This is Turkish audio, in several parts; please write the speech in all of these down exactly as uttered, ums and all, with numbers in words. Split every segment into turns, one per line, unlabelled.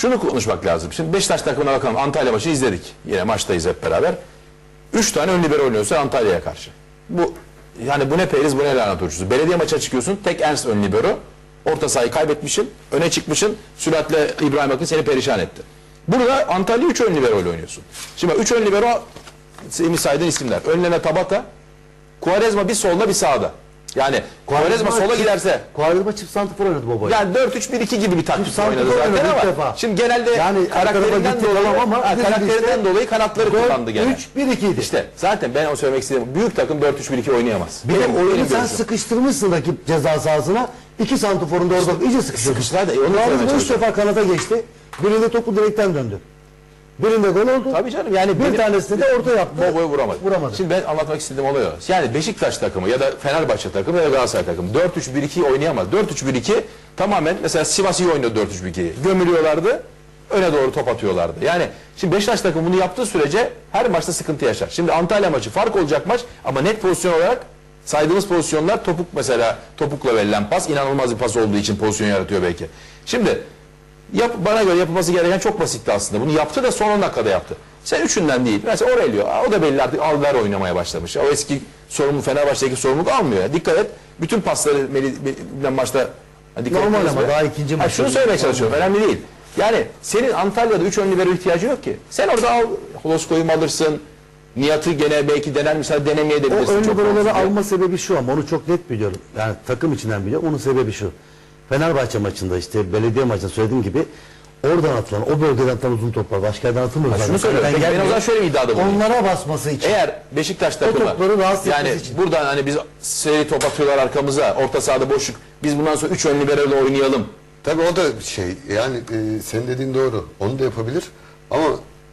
şunu konuşmak lazım. Şimdi Beşiktaş takımına bakalım. Antalya maçı izledik. Yine maçtayız hep beraber. Üç tane ön libero oynuyorsa Antalya'ya karşı. Bu yani bu ne Periz, bu ne lanet uçusu. Belediye maça çıkıyorsun. Tek Ernst ön libero. Orta sahayı kaybetmişsin. Öne çıkmışsın. Süratle İbrahim Akın seni perişan etti. Burada Antalya üç ön libero ile oynuyorsun. Şimdi üç ön libero senin saydığın isimler. Önlerine Tabata, Quaresma bir solda bir sağda. Yani Quaresma sola giderse
Quaresma çift santifor oynadı baba.
yani dört üç bir iki gibi bir taktik oynadı zaten ama
defa.
şimdi genelde
yani
karakterinden dolayı
ama
ha, karakterinden işte, dolayı kanatları kullandı gene.
üç bir iki idi.
İşte zaten ben o söylemek istediğim büyük takım dört üç bir iki oynayamaz.
Bir de oyunu sen sıkıştırmışsın rakip ceza sahasına. İki santiforun da orada işte, iyice sıkıştırdı.
Sıkıştılar da onu söylemeye
üç defa kanata geçti. Birinde topu direkten döndü. Birinde gol oldu.
Tabii canım yani
bir tanesini de orta yaptı.
Bobo'yu vuramadı.
vuramadı.
Şimdi ben anlatmak istediğim olay o. Yani Beşiktaş takımı ya da Fenerbahçe takımı ya da Galatasaray takımı dört üç bir iki oynayamaz. dört üç bir iki tamamen mesela Sivas iyi oynuyor dört üç bir ikiyi. Gömülüyorlardı. Öne doğru top atıyorlardı. Yani şimdi Beşiktaş takımı bunu yaptığı sürece her maçta sıkıntı yaşar. Şimdi Antalya maçı fark olacak maç ama net pozisyon olarak saydığımız pozisyonlar topuk mesela topukla verilen pas inanılmaz bir pas olduğu için pozisyon yaratıyor belki. Şimdi Yap, bana göre yapılması gereken çok basitti aslında. Bunu yaptı da son on dakikada yaptı. Sen üçünden değil. Mesela Aurelio, o da belli artık alver oynamaya başlamış. O eski sorumlu Fenerbahçe'deki sorumluluk almıyor. Ya. Dikkat et. Bütün pasları Melih'den maçta dikkat
normal ama daha ikinci maç.
Şunu söylemeye çalışıyorum. Önemli değil. Yani senin Antalya'da üç ön libero ihtiyacı yok ki. Sen orada al, Holosko'yu mu alırsın? Nihat'ı gene belki dener mesela denemeye de bilirsin.
O ön liberoları alma sebebi şu ama onu çok net biliyorum. Yani takım içinden biliyorum. Onun sebebi şu. Fenerbahçe maçında işte belediye maçında söylediğim gibi oradan atılan o bölgeden tam uzun toplar başka yerden atılmıyor.
Şunu söylüyorum. Ben, ben o zaman şöyle bir iddiada bulunayım.
Onlara basması için.
Eğer Beşiktaş takımı yani için. Buradan hani biz seri top atıyorlar arkamıza orta sahada boşluk biz bundan sonra üç ön libero'yla oynayalım.
Tabii o da şey yani e, senin dediğin doğru. Onu da yapabilir ama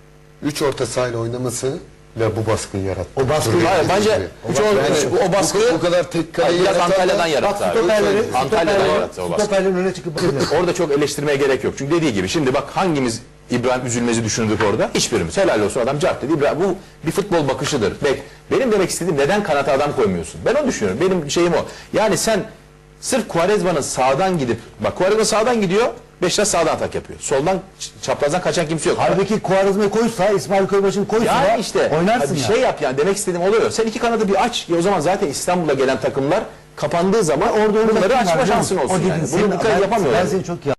üç orta sahayla oynaması ve bu baskıyı yarattı.
O baskıyı hayır, bence
o, baskı, yani, o baskıyı bu, bu kadar tek kaleyi
biraz Antalya'dan yarattı.
Stoperleri,
Antalya'dan yarattı o baskıyı.
Stoperlerin önüne çıkıp
orada çok eleştirmeye gerek yok. Çünkü dediği gibi şimdi bak hangimiz İbrahim Üzülmez'i düşündük orada? Hiçbirimiz. Helal olsun adam cart dedi. Bu bir futbol bakışıdır. Bek, benim demek istediğim neden kanata adam koymuyorsun? Ben onu düşünüyorum. Benim şeyim o. Yani sen sırf Quaresma'nın sağdan gidip bak Quaresma sağdan gidiyor. Beşiktaş sağdan atak yapıyor. Soldan çaprazdan kaçan kimse yok.
Halbuki Quaresma'yı koysa, İsmail Köybaşı'nı koysa
yani işte,
oynarsın
bir
ya.
şey yap yani demek istediğim oluyor. Sen iki kanadı bir aç. Ya o zaman zaten İstanbul'a gelen takımlar kapandığı zaman orada bunları açma şansın olsun. O yani. Bunu dikkat yapamıyorlar.
Ben seni çok iyi